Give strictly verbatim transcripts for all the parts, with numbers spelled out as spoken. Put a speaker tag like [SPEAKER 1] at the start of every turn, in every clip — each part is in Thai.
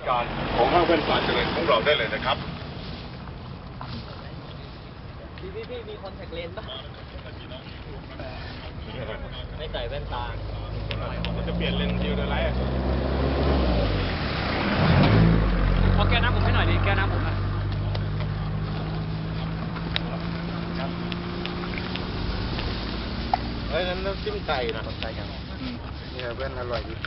[SPEAKER 1] การของห้างแว่นตาเจริญของเราได้เลยนะครับ
[SPEAKER 2] พี่พี่พี่มีคอนแทคเลนส์ป่ะไม่ใส่แว่นตาจะเปลี่ยนเลนส์ดิวเดอร์ไลท์เอาแก้วน้ำผมให้หน่อยดิแก้วน้ำผมอ่ะ
[SPEAKER 1] เฮ้ยนั้นน้ำจิ้มไก่นะไก่ครับนี่แว่นอร่อยดี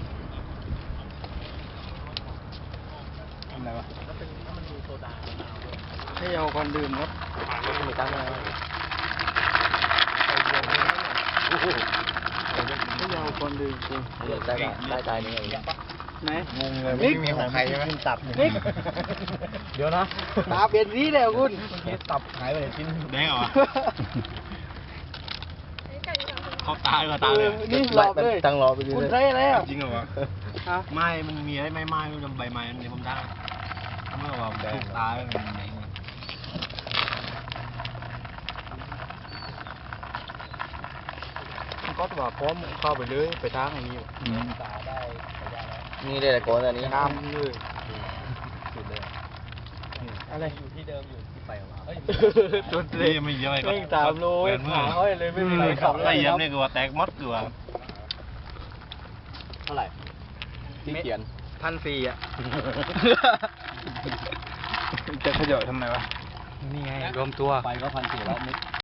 [SPEAKER 1] ทำอะไรวะถ้าเป็นถ้ามันมีโซดาให้เอาคนดื่มครับไม่ตั้งอะไรไม่เอาคนดื่มจริงได้ได้ใจนี่ไหนงงเลยไม่มีของใครใช่ไหมตับนิกเดี๋ยวนะตาเป็นนี้แล้วคุณตับหายไปชิ้นแดงเหรอเขาตายมาตายเลยนี่รอบเลยตั้งรอไปดูเลยคุณได้แล้วจริงเหรอวะไม้มันมีไอ้ไม้ไม้มันใบไม้มันในผมได้เมื่อว่าถูกตายมันแดงก็ตัวพร้อมเข้าไปเลยไปทางอันนี้ตาได้นี่ได้แต่ก่อนอันนี้น้ำเลยสุดเลยอะไรอยู่ที่เดิมอยู่ที่ไปของเราจุดเลยไม่เยอะก็ตามโลหาห้อยเลยไม่มีใครขับไล่เยี่ยมนี่คือว่าแตกมดคือว่าเท่าไหร่ที่เขียนพันสี่อ่ะจะขย่อทำไมวะนี่ไงรวมตัวไปก็พันสี่แล้ว